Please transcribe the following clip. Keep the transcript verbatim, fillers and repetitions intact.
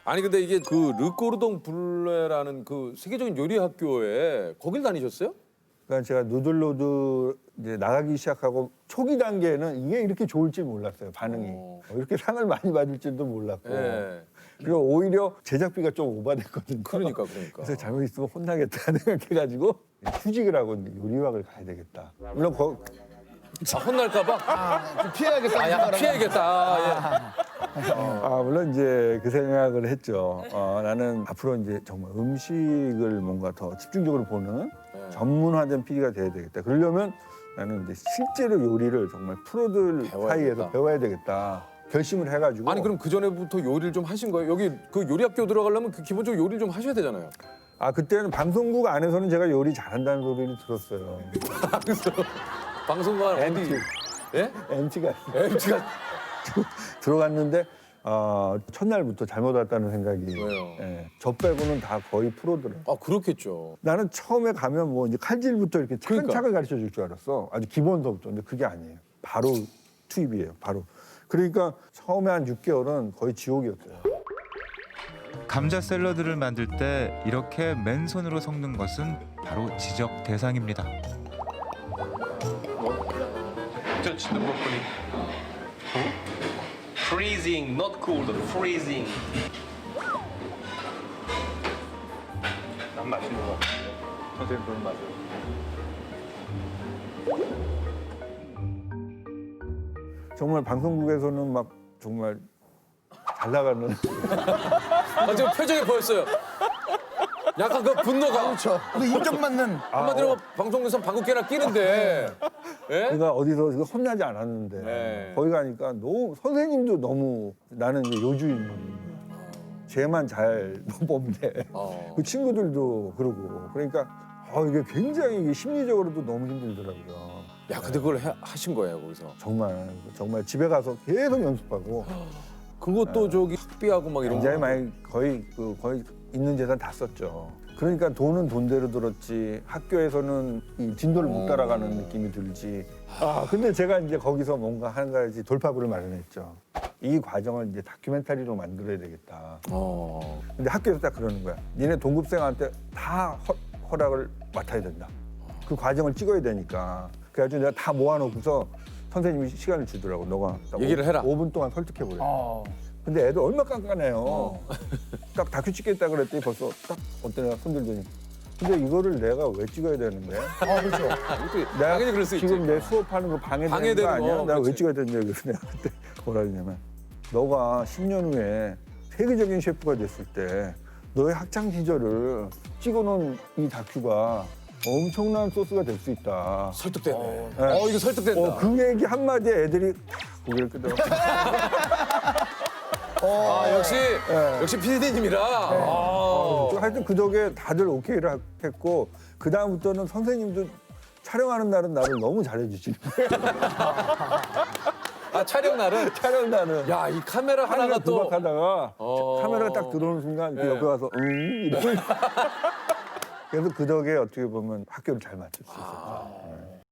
아니 근데 이게 그 르꼬르동 블레라는 그 세계적인 요리 학교에 거길 다니셨어요? 그러니까 제가 누들로드 이제 나가기 시작하고 초기 단계에는 이게 이렇게 좋을지 몰랐어요. 반응이 어. 어, 이렇게 상을 많이 받을 줄도 몰랐고. 예. 그리고 오히려 제작비가 좀 오바됐거든요. 그러니까 그러니까. 그래서 잘못했으면 혼나겠다 생각해가지고 휴직을 하고 이제 요리학을 가야 되겠다. 물론 거, 아, 혼날까봐? 아, 좀 피해야겠다. 아, 약간 피해야겠다. 아, 예. 아, 물론 이제 그 생각을 했죠. 어, 나는 앞으로 이제 정말 음식을 뭔가 더 집중적으로 보는 네. 전문화된 피디가 돼야 되겠다. 그러려면 나는 이제 실제로 요리를 정말 프로들 배워야 사이에서 되겠다. 배워야 되겠다. 결심을 해가지고. 아니 그럼 그 전에부터 요리를 좀 하신 거예요? 여기 그 요리 학교 들어가려면 그 기본적으로 요리를 좀 하셔야 되잖아요. 아 그때는 방송국 안에서는 제가 요리 잘한다는 소리를 들었어요. 그래서 방송관 어디? 엠티. 예? 엠티가 엠티가 들어갔는데 어, 첫날부터 잘못 왔다는 생각이. 왜요? 예, 저 빼고는 다 거의 프로더라고요. 아 그렇겠죠. 나는 처음에 가면 뭐 이제 칼질부터 이렇게 차근차근 가르쳐 줄 줄 알았어. 아주 기본서부터. 근데 그게 아니에요. 바로 투입이에요. 바로. 그러니까 처음에 한 육 개월은 거의 지옥이었어요. 감자 샐러드를 만들 때 이렇게 맨손으로 섞는 것은 바로 지적 대상입니다. Touch the broccoli. Freezing, not cold, freezing. 난 맛있는 거 같은데. 선생님 그런 맛이요. 정말 방송국에서는 막 정말 잘 나가는 아 지금 표정이 보였어요. 약간 그 분노가. 그렇죠. 우리 인정받는. 한마디로 방송에서 방귀깨나 끼는데. 예? 그러니까 어디서 혼나지 않았는데 네. 거기 가니까 너무 선생님도 너무 나는 이제 요주인물인 거야. 쟤만 잘 뽑네. 어. 그 친구들도 그러고 그러니까 어, 이게 굉장히 이게 심리적으로도 너무 힘들더라고요. 야 근데 그걸 해, 하신 거예요 거기서. 정말 정말 집에 가서 계속 연습하고 그것도 저기 학비하고 막 이런 굉장히 거. 많이 거의 그 거의 있는 재산 다 썼죠. 그러니까 돈은 돈대로 들었지 학교에서는 이 진도를 못 따라가는 느낌이 들지. 아 근데 제가 이제 거기서 뭔가 한 가지 돌파구를 마련했죠. 이 과정을 이제 다큐멘터리로 만들어야 되겠다. 어. 근데 학교에서 딱 그러는 거야. 니네 동급생한테 다 허, 허락을 맡아야 된다. 그 과정을 찍어야 되니까. 그래가지고 내가 다 모아놓고서 선생님이 시간을 주더라고. 너가 딱 얘기를 해라. 오 분 동안 설득해보래. 어. 근데 애들 얼마나 깐깐해요. 딱 다큐 찍겠다 그랬더니 벌써 딱 어떤 애가 손들더니 근데 이거를 내가 왜 찍어야 되는 거야? 아, 그렇죠. 이것도 내가 당연히 그럴 수 지금 있지. 내 수업하는 거 방해되는 방해되는 거 아니야? 거, 내가 왜 그렇지. 찍어야 되는데 그래서 내가 그때 뭐라 그러냐면 너가 십 년 후에 세계적인 셰프가 됐을 때 너의 학창 시절을 찍어놓은 이 다큐가 엄청난 소스가 될 수 있다. 설득되네. 어, 네. 이거 설득된다. 어, 그 얘기 한마디에 애들이 탁 고개를 끄덕. 아 역시 네. 역시 피디님이라. 아. 하여튼 그 덕에 다들 오케이를 했고 그 다음부터는 선생님도 촬영하는 날은 나를 너무 잘해주시는 거예요. 아 촬영 날은. 촬영 날은. 야 이 카메라 하나가 또. 구박하다가 어. 카메라가 딱 들어오는 순간 그 네. 옆에 와서 응 이러고 그래서 그 덕에 어떻게 보면 학교를 잘 마칠 수 있었죠.